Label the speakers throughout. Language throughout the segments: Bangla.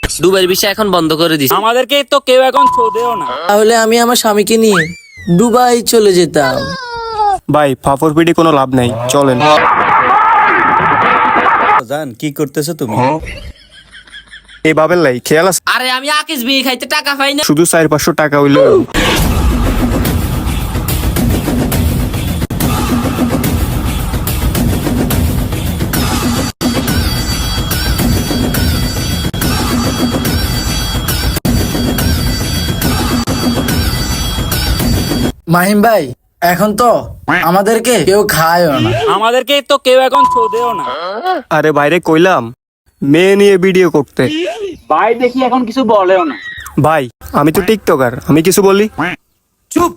Speaker 1: দুবাইয়ের ভিসা এখন বন্ধ করে দিছে।
Speaker 2: আমাদেরকে তো কেউ এখন ছোঁদেও না।
Speaker 3: তাহলে আমি আমার স্বামীকে নিয়ে দুবাই চলে যেতাম।
Speaker 4: ভাই ফাফর পিটি কোনো লাভ নাই, চলেন।
Speaker 5: জান কি করতেছো তুমি?
Speaker 4: এই বাবের লাই খেয়াল আছে,
Speaker 1: আরে আমি আকিস বিয়ে খাইতে টাকা পাই না।
Speaker 4: শুধু 400-500 টাকা হইলো।
Speaker 3: মাহিম ভাই, এখন তো আমাদেরকে কেউ খায়ও না।
Speaker 2: আমাদেরকে তো কেউ এখন ছোঁদেও না।
Speaker 4: আরে বাইরে কইলাম মেয়ে নিয়ে ভিডিও করতে।
Speaker 2: ভাই দেখি এখন কিছু বলেও না।
Speaker 4: ভাই আমি তো টিকটকার, আমি কিছু বলি?
Speaker 2: চুপ।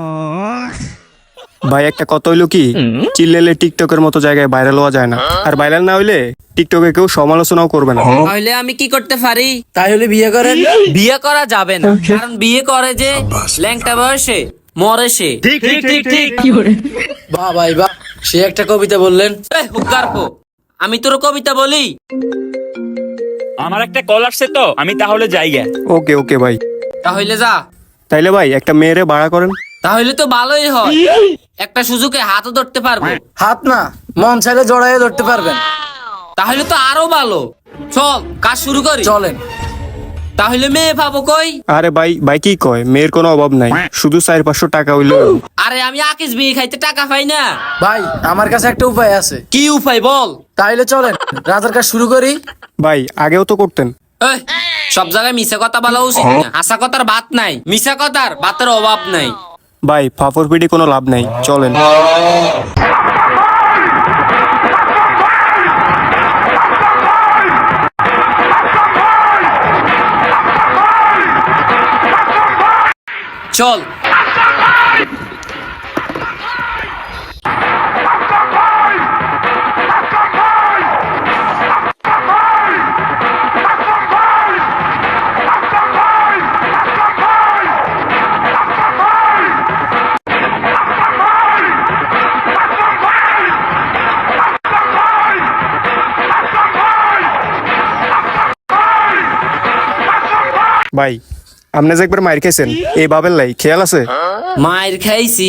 Speaker 4: ভাই একটা কথা হইলো কি, চিল্লেলে টিকটকের মতো জায়গায় ভাইরাল হওয়া যায় না, আর ভাইরাল না হইলে টিকটকে কেউ সমালোচনাও করবে না।
Speaker 1: তাহলে আমি কি করতে পারি?
Speaker 3: তাহলে বিয়ে করেন।
Speaker 1: বিয়ে করা যাবে না, কারণ বিয়ে করে যে ল্যাংটা বয়সে মরে সে।
Speaker 2: ঠিক ঠিক ঠিক ঠিক।
Speaker 3: বাহ ভাই বাহ, সে একটা কবিতা বললেন।
Speaker 1: এই হুক্কার পো, আমি তোর কবিতা বলি?
Speaker 2: আমার একটা কল আসছে তো, আমি তাহলে যাইগা।
Speaker 4: ওকে ওকে ভাই,
Speaker 1: তাহলে যা।
Speaker 4: তাইলে ভাই একটা মেয়েরে ভাড়া করেন।
Speaker 1: তাহলে তো ভালোই হয়, একটা সুযোগে হাতও ধরতে পারবো।
Speaker 3: হাত না, মন চাইলে জড়াইয়ে ধরতে পারবেন।
Speaker 1: তাহলে তো আরো ভালো। চল কাজ শুরু করি।
Speaker 3: চলেন।
Speaker 1: তাহলে মেয়ে পাবো কই?
Speaker 4: আরে ভাই ভাই কি কয়, মেয়ের কোনো অভাব নাই, শুধু 400-500 টাকা হইলো।
Speaker 1: আরে আমি আকিস বিয়ে খাইতে টাকা পাই না।
Speaker 3: ভাই আমার কাছে একটা উপায় আছে।
Speaker 1: কি উপায় বল?
Speaker 3: তাইলে চলেন রাতের কাজ শুরু করি।
Speaker 4: ভাই আগেও তো করতেন।
Speaker 1: এই, সব জায়গায় মিশা কথা বলা উচিত না। আশা কথার ভাত নাই, মিশা কথার ভাতের অভাব নাই।
Speaker 4: ভাই ফাফর পিটি কোনো লাভ নাই, চলেন।
Speaker 1: চল।
Speaker 4: ভাই আপনি যে একবার মাইর খেয়েছেন, এই বাবের লাই খেয়াল আছে?
Speaker 1: মায়ের খাইছি।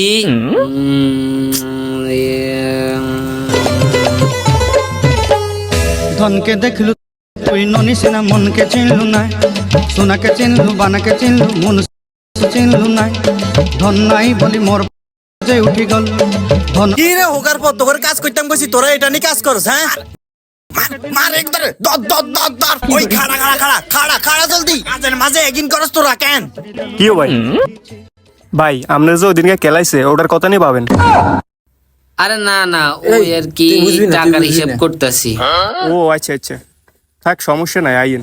Speaker 6: ধনকে দেখলু তুই ননি সিনা মনকে চিনলু না, সোনাকে চিনলু বানাকে চিনলু মন চিনলু না, ধন নাই বলি মোর যে উঠি গল ধন।
Speaker 5: কি রে হোকার পর তোর কাজ করতাম কইছি, তোরা এটা নিয়ে কাজ করছ? হ্যাঁ মার একদরে দর দর দর দর। ওই খাড়া খাড়া খাড়া খাড়া খাড়া জলদি, মাঝে মাঝে এগিন করস তোরা কেন?
Speaker 4: কি ভাই? ভাই আপনার যে ওদিনকে খেলাইছে ওটার কথা নিয়ে পাবেন।
Speaker 1: আরে না না, ওই আর কি
Speaker 3: তুই বুঝবি না, তুই
Speaker 1: টাকার
Speaker 3: বুঝবি
Speaker 1: হিসাব
Speaker 3: না।
Speaker 1: করতেছি।
Speaker 4: ও আচ্ছা আচ্ছা, থাক সমস্যা নাই, আইন।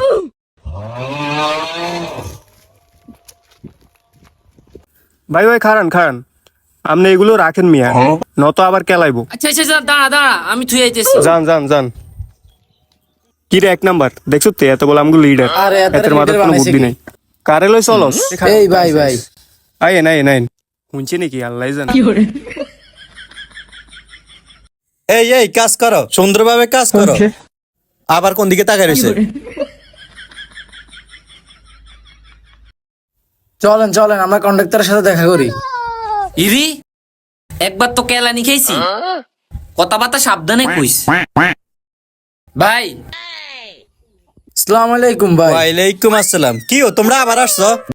Speaker 4: ভাই ভাই খারান খারান, আপনি এগুলো রাখেন মিয়া, নত আবার কেলাইবো।
Speaker 1: আচ্ছা আচ্ছা আচ্ছা, দাঁড়া দাঁড়া, আমি থুই আইতেছি।
Speaker 4: যান যান যান। কি রে 1 নাম্বার, দেখছো তো এত বলে আমগো লিডার,
Speaker 3: আরে এত
Speaker 4: এতের মাথায়
Speaker 3: leader
Speaker 4: কোনো
Speaker 3: বানাইছে
Speaker 4: বুদ্ধি
Speaker 3: কি?
Speaker 4: নাই। কারে লই চলস?
Speaker 3: এই ভাই ভাই,
Speaker 4: আইন আইন আইন, শুনছি নাকি আল্লাহ জান।
Speaker 5: এই এই কাজ করো, সুন্দরভাবে কাজ করো। আবার কোন দিকে তাকাই রইছে?
Speaker 3: চলেন চলেন আমরা কন্ডাক্টরের সাথে দেখা করি।
Speaker 1: ইরি, একবার তো কেলানি খাইছি, কথাবার্তা সাবধানে কইস। ভাই
Speaker 3: আসসালামু আলাইকুম ভাই।
Speaker 5: ওয়ালাইকুম আসসালাম। কি ও তোমরা আবার আসছো?